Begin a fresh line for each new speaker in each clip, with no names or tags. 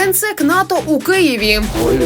Генсек НАТО у Києві.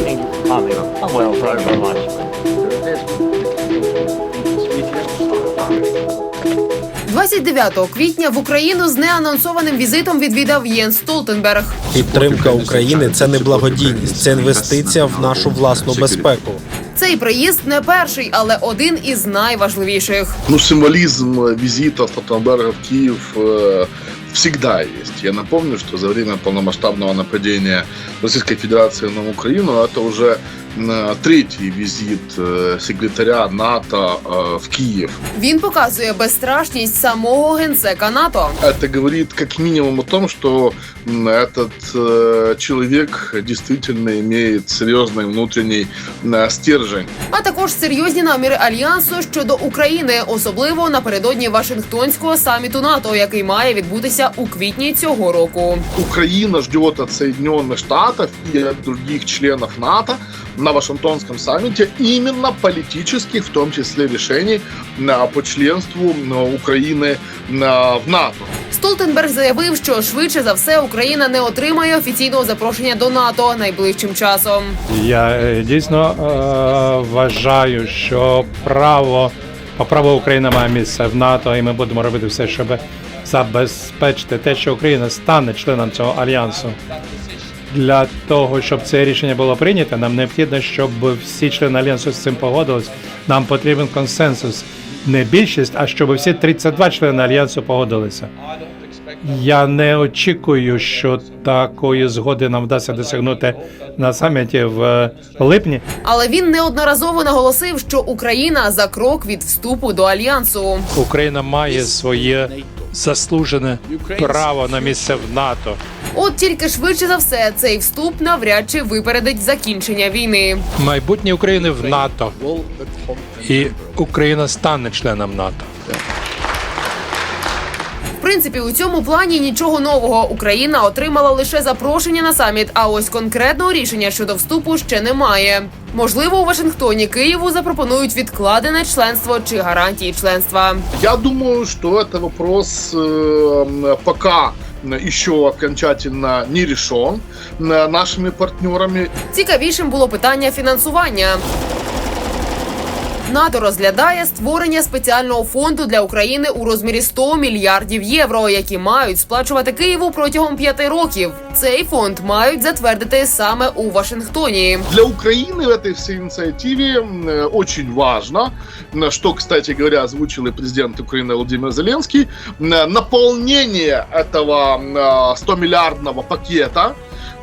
29 квітня в Україну з неанонсованим візитом відвідав Єнс Столтенберг.
Підтримка України – це не благодійність, це інвестиція в нашу власну безпеку.
Цей приїзд не перший, але один із найважливіших.
Символизм визита Столтенберга в Киев всегда есть. Я напомню, что за время полномасштабного нападения Российской Федерации на Украину это уже третій візит секретаря НАТО в Київ.
Він показує безстрашність самого генсека НАТО.
Это говорит как минимум о том, что этот человек действительно имеет серьезный внутренний стержень.
А також серйозні наміри Альянсу щодо України, особливо напередодні Вашингтонського саміту НАТО, який має відбутися у квітні цього року.
Украина ждет от Соединенных Штатов и от других членов НАТО на Вашингтонском саммите именно политических, в том числе решений по членству Украины в НАТО.
Столтенберг заявив, що швидше за все Україна не отримає офіційного запрошення до НАТО найближчим часом.
Я дійсно вважаю, що по праву Україна має місце в НАТО, і ми будемо робити все, щоб забезпечити те, що Україна стане членом цього альянсу. Для того, щоб це рішення було прийнято, нам необхідно, щоб всі члени альянсу з цим погодились. Нам потрібен консенсус. Не більшість, а щоб всі 32 члени альянсу погодилися. Я не очікую, що такої згоди нам вдасться досягнути на саміті в липні.
Але він неодноразово наголосив, що Україна за крок від вступу до альянсу.
Україна має своє заслужене право на місце в НАТО.
От тільки швидше за все цей вступ навряд чи випередить закінчення війни.
Майбутнє України в НАТО. І Україна стане членом НАТО.
В принципі, у цьому плані нічого нового. Україна отримала лише запрошення на саміт, а ось конкретного рішення щодо вступу ще немає. Можливо, у Вашингтоні Києву запропонують відкладене членство чи гарантії членства.
Я думаю, что это вопрос пока еще окончательно не решен нашими партнерами.
Цікавішим було питання фінансування. НАТО розглядає створення спеціального фонду для України у розмірі 100 мільярдів євро, які мають сплачувати Києву протягом 5 років. Цей фонд мають затвердити саме у Вашингтоні.
Для Украины в этой всей инициативе очень важно, что, кстати говоря, озвучил и президент Украины Владимир Зеленский, наполнение этого 100-миллиардного пакета,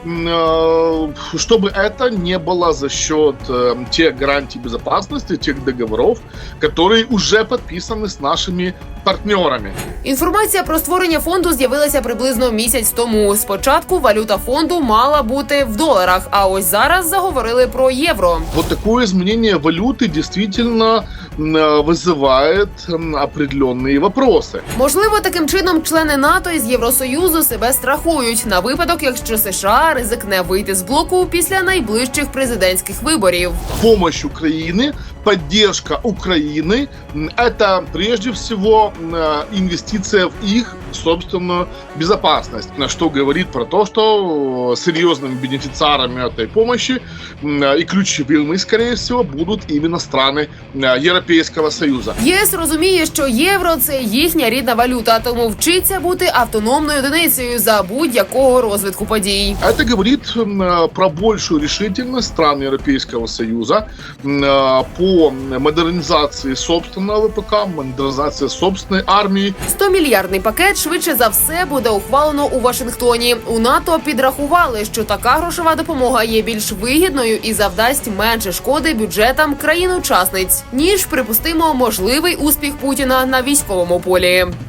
чтобы это не было за счет тех гарантий безопасности, тех договоров, которые уже подписаны с нашими партнерами.
Інформація про створення фонду з'явилася приблизно місяць тому. Спочатку валюта фонду мала бути в доларах, а ось зараз заговорили про євро.
Вот такое изменение валюты действительно вызывает определенные вопросы.
Можливо, таким чином члени НАТО із Євросоюзу себе страхують на випадок, якщо США ризикне вийти з блоку після найближчих президентських виборів.
Помощь Украины, поддержка Украины – это прежде всего инвестиция в их собственную безопасность, что говорит про то, что серьезными бенефициарами этой помощи и ключевыми, скорее всего, будут именно страны Європейського Союзу.
ЄС розуміє, що євро – це їхня рідна валюта, тому вчиться бути автономною одиницею за будь-якого розвитку подій.
Это говорит про большую решительность стран Европейского Союза по модернизации собственного ВПК, модернизации собственной армии.
100-мільярдний пакет швидше за все буде ухвалено у Вашингтоні. У НАТО підрахували, що така грошова допомога є більш вигідною і завдасть менше шкоди бюджетам країн-учасниць, ніж, припустимо, можливий успіх Путіна на військовому полі.